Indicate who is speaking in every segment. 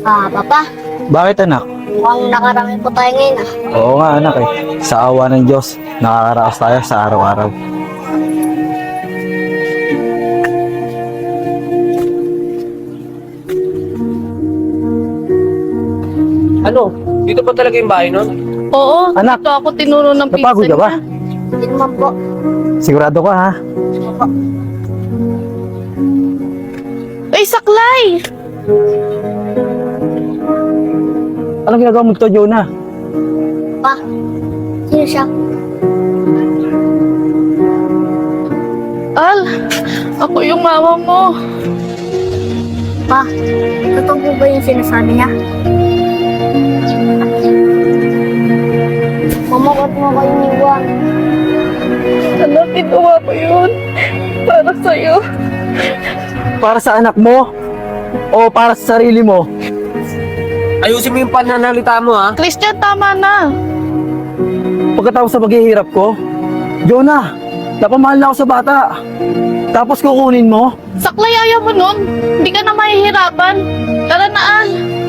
Speaker 1: Papa,
Speaker 2: Bakit anak?
Speaker 1: mukhang nakarami po tayo ngayon ah.
Speaker 2: Oo nga anak eh. Sa awa ng Diyos, nakakaraos tayo sa araw-araw.
Speaker 3: Ano? Dito pa talaga yung bahay nun?
Speaker 4: Oo,
Speaker 2: Anak,
Speaker 4: dito ako tinuro ng pinsan
Speaker 2: Napagod ka ba?
Speaker 4: niya.
Speaker 1: Hindi naman po.
Speaker 2: Sigurado ka ha?
Speaker 1: Opo.
Speaker 4: Ay, saklay!
Speaker 2: Anong ginagawa mo dito, Jonah?
Speaker 1: Pa, sino siya?
Speaker 4: Al, ako yung mama mo.
Speaker 1: Pa, totoo po ba yung sinasabi niya? Mama, ba't mo kayo iniwan?
Speaker 4: Anak, ginawa ko yun. Para sa'yo.
Speaker 2: Para sa anak mo? O para sa sarili mo?
Speaker 3: Ayusin mo yung pananalita mo, ha?
Speaker 4: Christian, tama na.
Speaker 2: Pagkatapos sa paghihirap ko? Jonah, napamahal na ako sa bata. Tapos kukunin mo?
Speaker 4: Saklay, ayaw mo nun. Hindi ka na mahihirapan. Tara na, Al.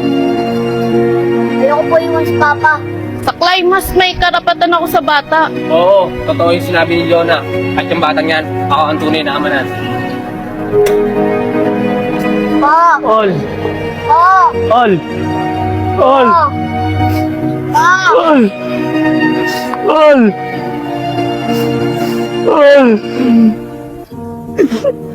Speaker 1: Ayoko po iwan si Papa.
Speaker 4: Saklay, mas may karapatan ako sa bata.
Speaker 3: Oo, totoo yung sinabi ni Jonah. At yung batang yan, ako ang tunay na ama nan.
Speaker 1: Pa!
Speaker 2: Ol!
Speaker 1: Pa!
Speaker 2: Ol! Ol!
Speaker 1: Pa! Pa!
Speaker 2: Ol! Ol! Ol!